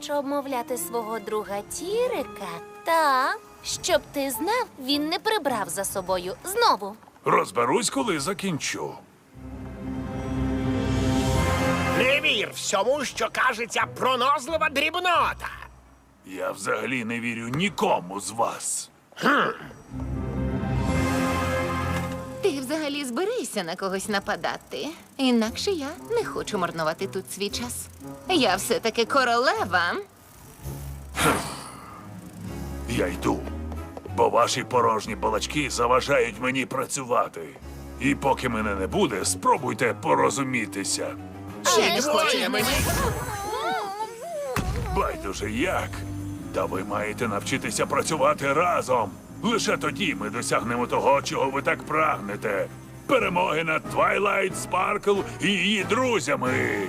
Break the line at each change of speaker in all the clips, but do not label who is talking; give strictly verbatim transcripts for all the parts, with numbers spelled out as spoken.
хочеш обмовляти свого друга Тірика? Так. Щоб ти знав, він не прибрав за собою знову.
Розберусь, коли закінчу.
Не вір всьому, що кажеться пронозлива дрібнота.
Я взагалі не вірю нікому з вас.
Ти взагалі зберися на когось нападати. Інакше я не хочу марнувати тут свій час. Я все-таки королева.
Я йду, бо ваші порожні балачки заважають мені працювати. І поки мене не буде, спробуйте порозумітися.
Ще не хочу.
мені.
Байдуже як. Та ви маєте навчитися працювати разом. Лише тоді ми досягнемо того, чого ви так прагнете. Перемоги над Твайлайт Спаркл і її друзями.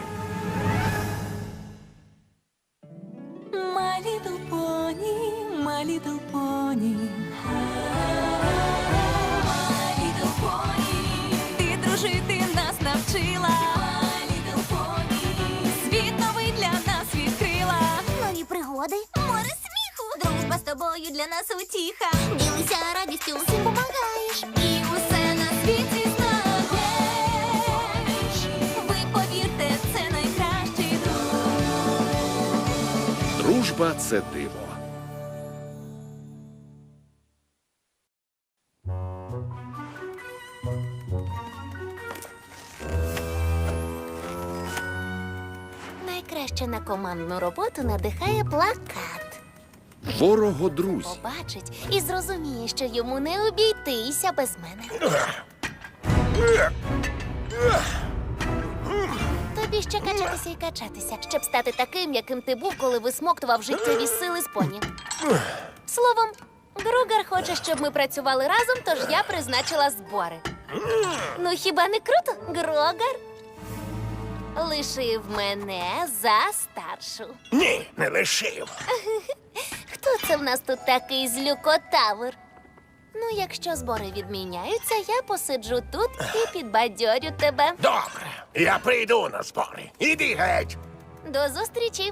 My little pony, my little pony. My little pony. Ти дружити нас навчила. My little pony. Світ новий для нас відкрила.
Нові пригоди,
Море сміху. Дружба з тобою для нас утіха.
ділися радістю, всім помагаєш.
І усе на світі знаєш. Ви повірте, це найкращий друг.
Дружба – це диво.
Найкраще на командну роботу надихає плакат.
Ворого-друзі.
Побачить і зрозуміє, що йому не обійтися без мене. Тобі ще качатися і качатися, щоб стати таким, яким ти був, коли висмоктував життєві сили з поні. Словом, Гругар хоче, щоб ми працювали разом, тож я призначила збори. Ну хіба не круто, Гругар? Лишив мене за старшу.
Ні, не лишив.
Хто це в нас тут такий злюкотавр? Ну, якщо збори відміняються, я посиджу тут і підбадьорю тебе.
Добре, я прийду на збори. Іди геть.
До зустрічі.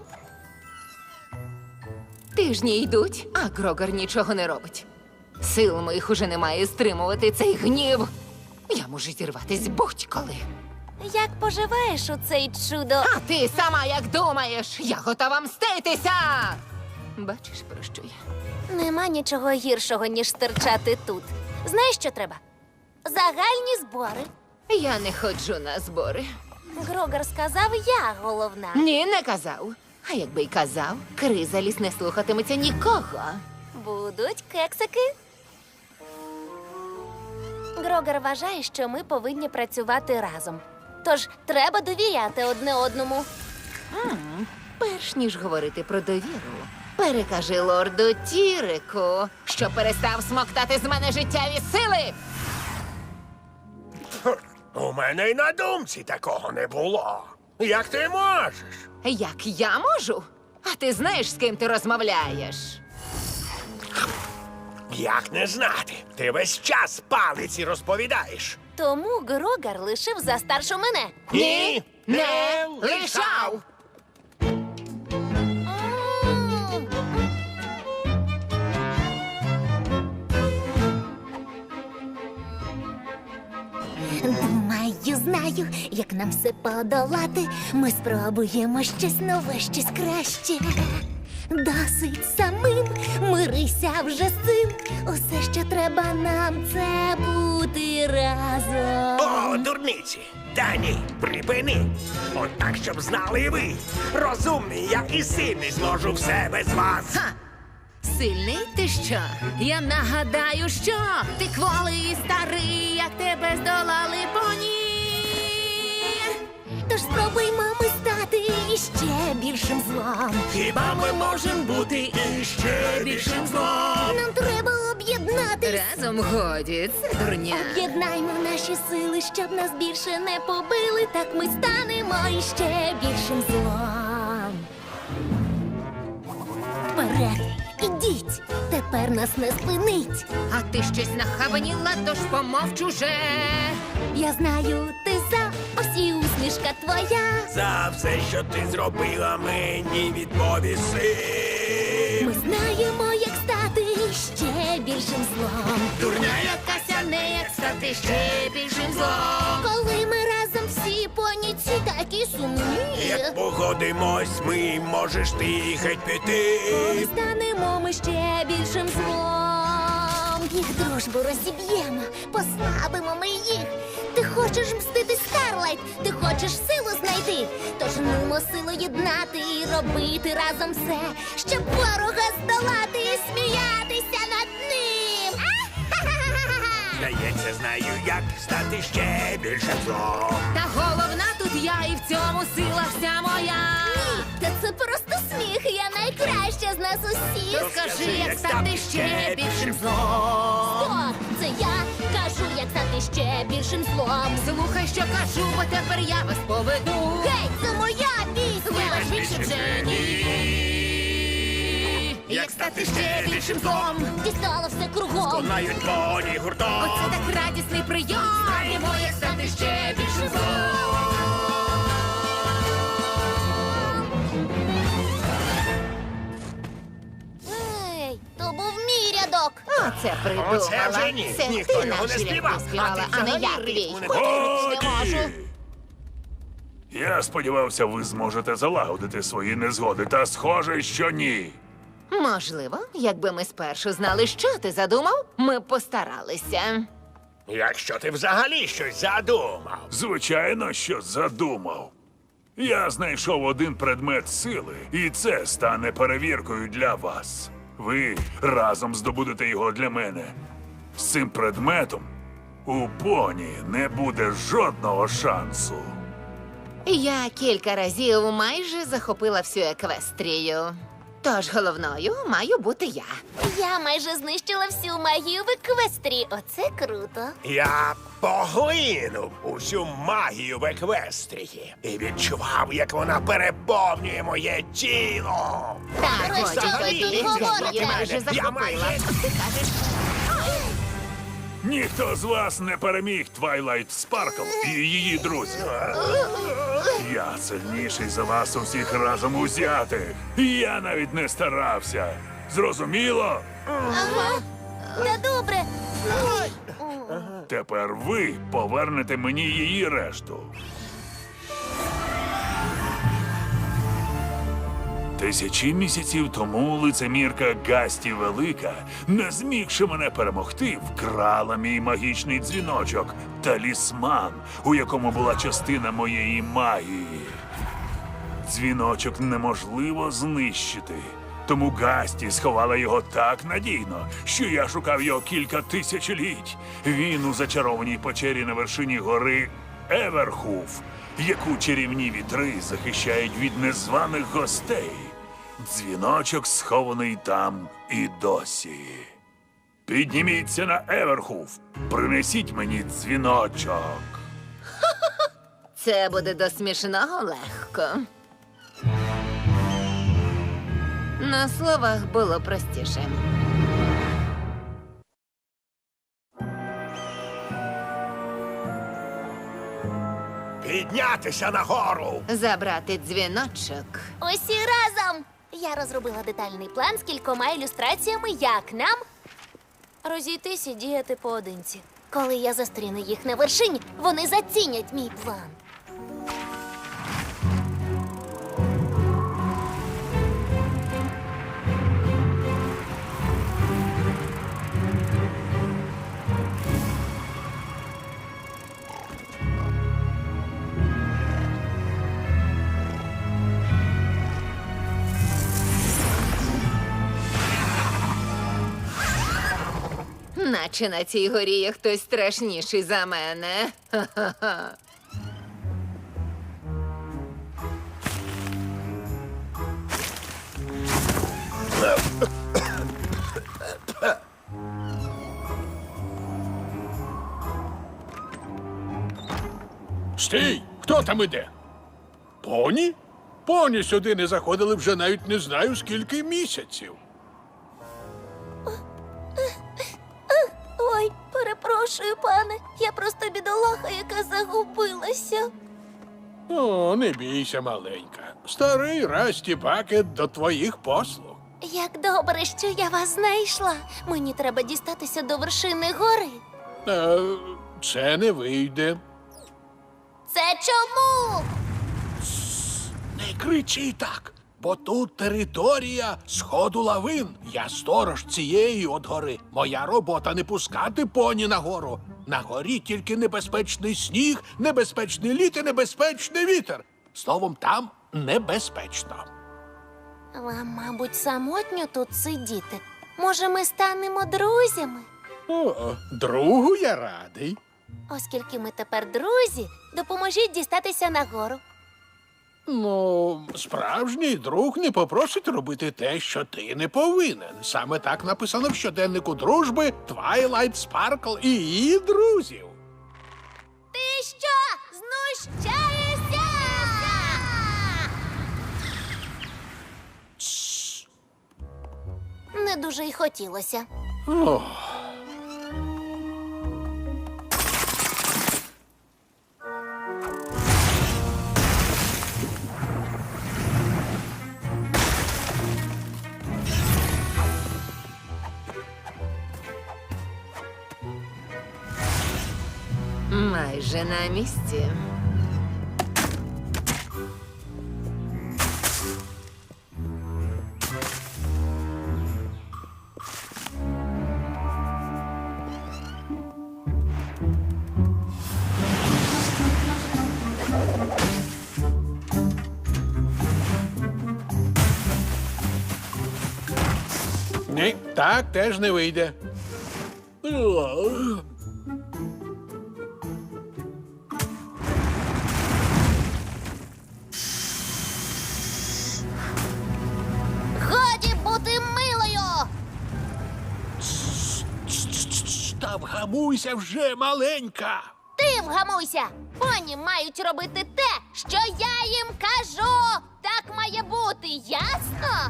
Тижні йдуть, а Грогар нічого не робить. Сил моїх уже немає стримувати цей гнів. Я можу зірватись будь-коли.
Як поживаєш у цей чудо?
А ти сама як думаєш? Я готова мститися! Бачиш, про що я?
Нема нічого гіршого, ніж стирчати тут. Знаєш, що треба? Загальні збори.
Я не ходжу на збори.
Грогар сказав, я головна.
Ні, не казав. А якби й казав, Кризаліс не слухатиметься нікого.
Будуть кексики. Грогар вважає, що ми повинні працювати разом. Тож треба довіряти одне одному.
Перш ніж говорити про довіру, перекажи лорду Тірику, що перестав смоктати з мене життєві сили.
У мене й на думці такого не було. Як ти можеш?
Як я можу? А ти знаєш, з ким ти розмовляєш?
Як не знати? Ти весь час палиці розповідаєш.
Тому Грогар лишив за старшу мене.
Ні,
Не лишав!
Думаю, знаю, як нам все подолати. Ми спробуємо щось нове, щось краще. Досить самим, мирися вже з цим. Усе, що треба нам, це бути разом.
О, дурниці! Та ні, припини! От так, щоб знали і ви. Розумний, я і сильний зможу все без вас.
Ха! Сильний ти що? Я нагадаю, що ти кволий і старий, як тебе здолали поні.
Тож спробуймо ми стати іще більшим злом.
Хіба ми можемо бути іще більшим злом?
Нам треба об'єднатись.
Разом годі, це дурня.
Об'єднаймо наші сили, щоб нас більше не побили. Так ми станемо іще більшим злом. Вперед, ідіть, тепер нас не спинить.
А ти щось нахабаніла, тож помовч уже.
Я знаю, ти за, ось і усмішка твоя.
За все, що ти зробила, мені відповіси.
Ми знаємо, як стати ще більшим злом.
Дурня
Якася не як стати ще більшим злом.
Коли ми разом всі поні ці такі сумні.
Як погодимось, ми можеш ти геть
Коли
піти.
станемо ми ще більшим злом. Їх дружбу розіб'ємо, послабимо ми їх. Ти хочеш мстити, Старлайт, ти хочеш силу знайти. Тож нумо силу єднати і робити разом все, щоб ворога здолати і сміятися над ним. А-ха-ха-ха-ха!
Здається, знаю, як стати ще більшим злом.
Та головна тут я, і в цьому сила вся моя.
Та це просто сміх, я найкраща з нас усіх.
Розкажи, як стати ще більшим злом.
О, це я кажу, як стати ще більшим злом.
Слухай, що кажу, бо тепер я вас поведу.
Гей, це моя пісня!
Вибач, більше вже ні. Як стати ще більшим злом.
Дістало все кругом.
Конають поні гуртом.
Оце так радісний прийом. Знаємо, як стати ще більшим злом.
Ей, то був мій рядок.
Оце придумала.
Оце вже ні.
Це
Ніхто
ти
його не
наш
співав,
рядок співала,
а
а
ти
не я
взагалі
твій.
ритму не
Повірити не можу.
Годі! Я сподівався, ви зможете залагодити свої незгоди, та схоже, що ні.
Можливо, якби ми спершу знали, що ти задумав, ми б постаралися.
Якщо ти взагалі щось задумав.
Звичайно, що задумав. Я знайшов один предмет сили, і це стане перевіркою для вас. Ви разом здобудете його для мене. З цим предметом у поні не буде жодного шансу.
Я кілька разів майже захопила всю еквестрію. Тож головною маю бути я.
Я майже знищила всю магію в еквестрі. Оце круто.
Я поглинув усю магію в еквестрії і відчував, як вона переповнює моє тіло.
Так,
Про що ви
годі,
тут
годі,
говорите?
я майже
Я
захопила.
майже-
Ти кажеш,
Ніхто з вас не переміг Твайлайт Спаркл і її друзів. Я сильніший за вас усіх разом узятих. І я навіть не старався. Зрозуміло?
Ага. Та добре.
Тепер ви повернете мені її решту. Тисячі місяців тому лицемірка Гасті Велика, не змігши мене перемогти, вкрала мій магічний дзвіночок, талісман, у якому була частина моєї магії. Дзвіночок неможливо знищити, тому Гасті сховала його так надійно, що я шукав його кілька тисячоліть. Він у зачарованій печері на вершині гори Еверхуф, яку чарівні вітри захищають від незваних гостей. Дзвіночок схований там і досі. Підніміться на Еверхуф, принесіть мені дзвіночок.
це буде до смішного легко. На словах було простіше.
Піднятися нагору.
Забрати дзвіночок.
Усі разом. Я розробила детальний план з кількома ілюстраціями, як нам розійтись і діяти поодинці. Коли я зустріну їх на вершині, вони зацінять мій план.
Наче на цій горі є хтось страшніший за мене. Ха-ха-ха.
Стій! Хто там іде? Поні? Поні сюди не заходили вже навіть не знаю скільки місяців.
Ой, перепрошую, пане. Я просто бідолаха, яка загубилася.
О, не бійся, маленька. Старий Расті Бакет до твоїх послуг.
Як добре, що я вас знайшла. Мені треба дістатися до вершини гори.
Е, це не вийде.
Це чому?
Не кричи так, бо тут територія сходу лавин. Я сторож цієї от гори. Моя робота не пускати поні на гору. На горі тільки небезпечний сніг, небезпечний лід і небезпечний вітер. Словом, там небезпечно.
Вам, мабуть, самотньо тут сидіти. Може, ми станемо друзями?
О, другу я радий.
Оскільки ми тепер друзі, допоможіть дістатися нагору.
Ну, справжній друг не попросить робити те, що ти не повинен. Саме так написано в щоденнику дружби Twilight Sparkle і її друзів.
Ти що, знущаєшся? Не дуже й хотілося.
Ох.
Майже на місці.
Ні, так теж не вийде.
Годі бути милою!
Та вгамуйся вже, маленька.
Ти вгамуйся! Поні мають робити те, що я їм кажу! Так має бути, ясно?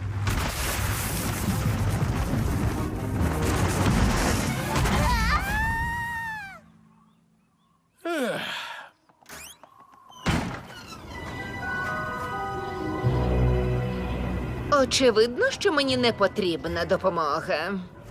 Очевидно, що мені не потрібна допомога.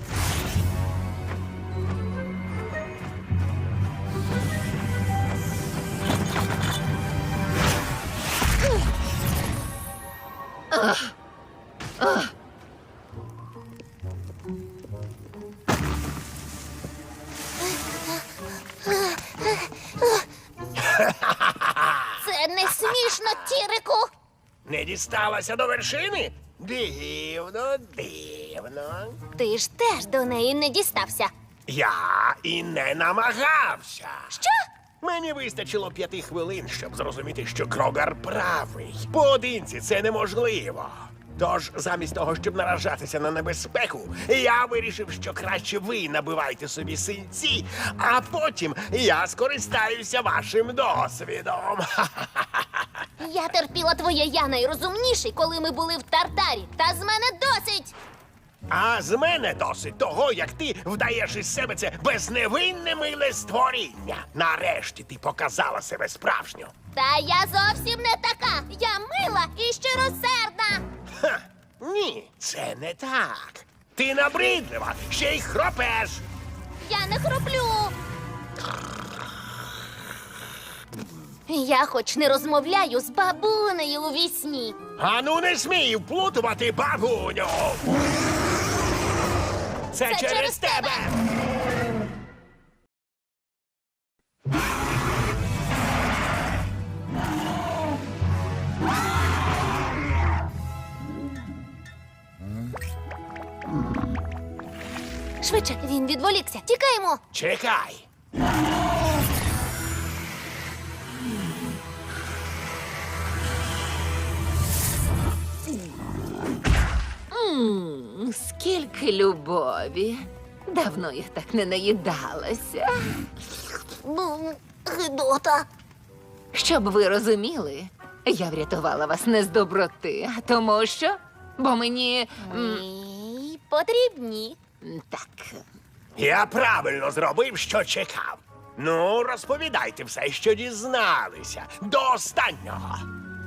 Це не смішно, Тірику!
Не дісталася до вершини? Дивно, дивно.
Ти ж теж до неї не дістався.
Я і не намагався.
Що?
Мені вистачило п'яти хвилин, щоб зрозуміти, що Крогар правий. Поодинці це неможливо. Тож, замість того, щоб наражатися на небезпеку, я вирішив, що краще ви набивайте собі синці, а потім я скористаюся вашим досвідом.
Я терпіла твоє я найрозумніший, коли ми були в Тартарі. Та з мене досить!
А з мене досить того, як ти вдаєш із себе це безневинне миле створіння. Нарешті ти показала себе справжню.
Та я зовсім не така. Я мила і щиросердна.
Ха, ні, це не так. Ти набридлива, ще й хропеш.
Я не хроплю. Я хоч не розмовляю з бабунею у вісні.
Ану, не смій вплутувати бабуню. Це,
Це
через,
через
тебе.
Швидше, він відволікся. Тікаємо.
Чекай.
М, Скільки любові. Давно я так не наїдалася.
Ну, гидота.
Щоб ви розуміли, я врятувала вас не з доброти, а тому що. Бо мені. м,
Ні, потрібні.
Так.
Я правильно зробив, що чекав. Ну, розповідайте все, що дізналися. До останнього.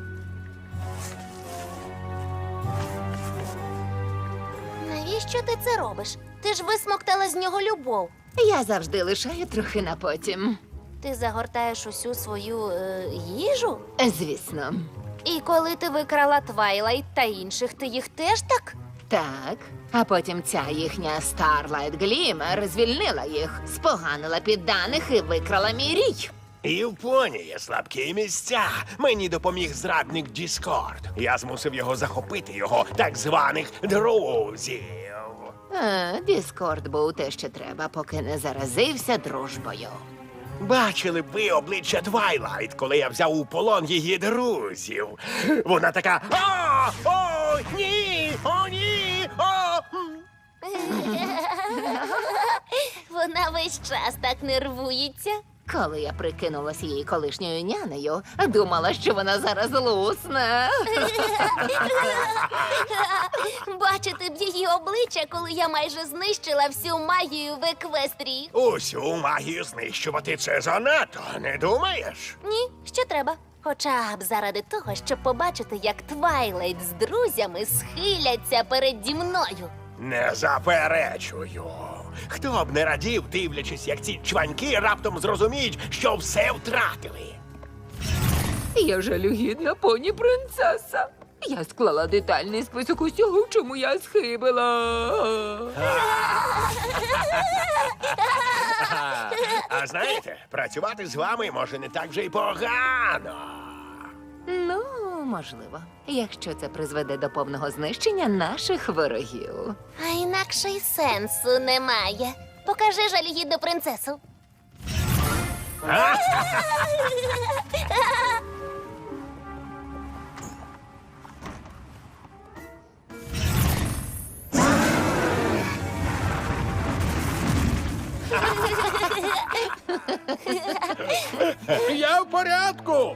Навіщо ти це робиш? Ти ж висмоктала з нього любов.
Я завжди лишаю трохи на потім.
Ти загортаєш усю свою е, їжу?
Звісно.
І коли ти викрала Твайлайт та інших, ти їх теж так?
Так. А потім ця їхня Starlight Glimmer звільнила їх, споганила підданих і викрала мій рій.
І в поні є слабкі місця. Мені допоміг зрадник Діскорд. Я змусив його захопити його так званих друзів.
А, Діскорд був те, що треба, поки не заразився дружбою.
Бачили б ви обличчя Твайлайт, коли я взяв у полон її друзів. Вона така: О, о, ні, о, ні, о.
Вона весь час так нервується.
Коли я прикинулась її колишньою нянею, думала, що вона зараз лусне.
Бачити б її обличчя, коли я майже знищила всю магію в Еквестрії.
Усю магію знищувати це занадто, не думаєш?
Ні, що треба. Хоча б заради того, щоб побачити, як Твайлайт з друзями схиляться переді мною.
Не заперечую. Хто б не радів, дивлячись, як ці чваньки раптом зрозуміють, що все втратили.
Я жалюгідна поні принцеса. Я склала детальний список усього, в чому я схибила.
А знаєте, працювати з вами може не так вже й погано.
Ну, можливо, якщо це призведе до повного знищення наших ворогів.
А інакше й сенсу немає. Покажи жалюгідну принцесу.
Я в порядку.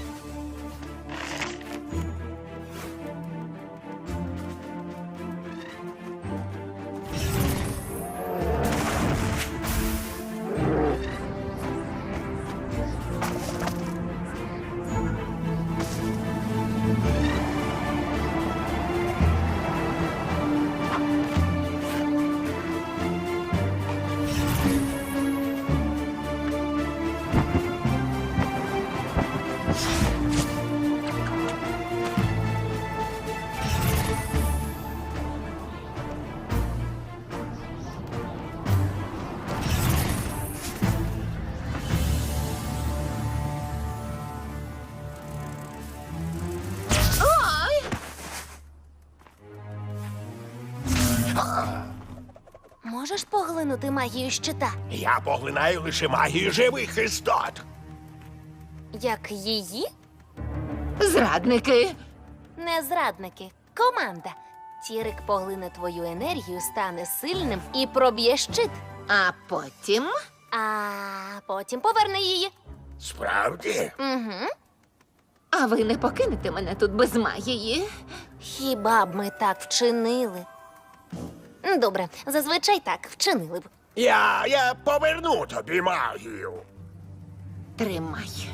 Можеш поглинути магію щита?
Я поглинаю лише магію живих істот.
Як її?
Зрадники!
Не зрадники. Команда. Тірик поглине твою енергію, стане сильним і проб'є щит.
А потім
А потім поверне її.
Справді?
Угу.
А ви не покинете мене тут без магії?
Хіба б ми так вчинили? Добре, зазвичай так вчинили б.
Я, я поверну тобі магію.
Тримай.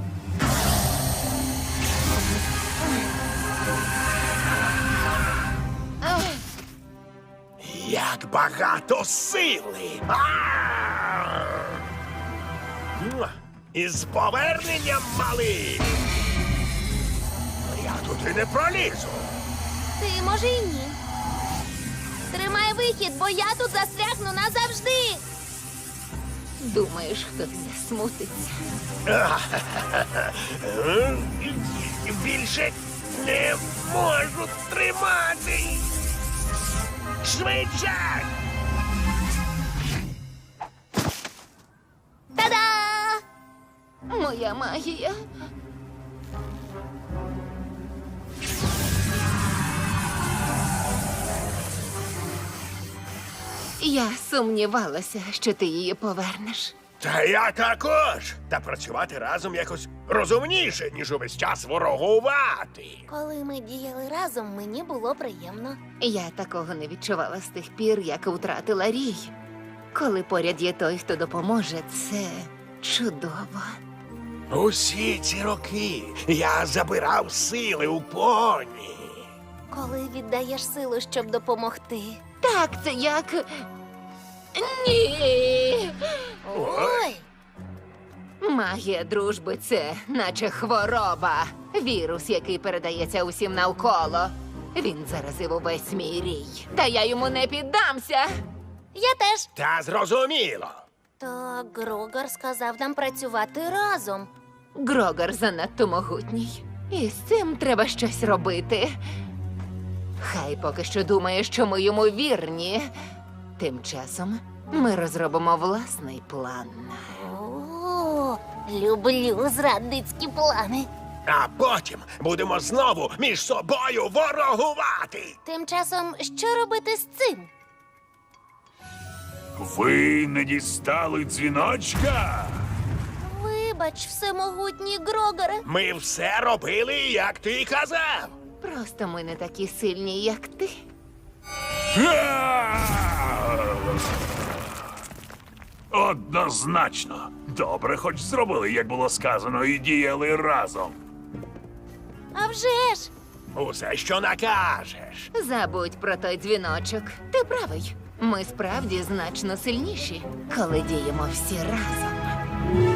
Як багато сили! А! Муа! Із поверненням, малий! Я туди не пролізу.
Ти, може, і ні. Тримай вихід, бо я тут застрягну назавжди.
Думаєш, хтось засмутиться?
Більше не можу тримати. Швидше!
Та-да!
Моя магія. Я сумнівалася, що ти її повернеш.
Та я також. Та працювати разом якось розумніше, ніж увесь час ворогувати.
Коли ми діяли разом, мені було приємно.
Я такого не відчувала з тих пір, як втратила рій. Коли поряд є той, хто допоможе, це чудово.
Усі ці роки я забирав сили у поні.
Коли віддаєш силу, щоб допомогти.
Так, це як. Ні.
Ой!
Магія дружби це наче хвороба. Вірус, який передається усім навколо. Він заразив увесь мій рій. Та я йому не піддамся.
Я теж.
Та зрозуміло.
Та Грогар сказав нам працювати разом.
Грогар занадто могутній. І з цим треба щось робити. Хай поки що думає, що ми йому вірні. Тим часом ми розробимо власний план.
О, люблю зрадницькі плани.
А потім будемо знову між собою ворогувати.
Тим часом, що робити з цим?
Ви не дістали дзвіночка?
Вибач, всемогутній Грогаре.
Ми все робили, як ти казав.
Просто ми не такі сильні, як ти.
Однозначно. Добре, хоч зробили, як було сказано, і діяли разом.
А вже ж!
Усе, що накажеш.
Забудь про той дзвіночок. Ти правий. Ми справді значно сильніші, коли діємо всі разом.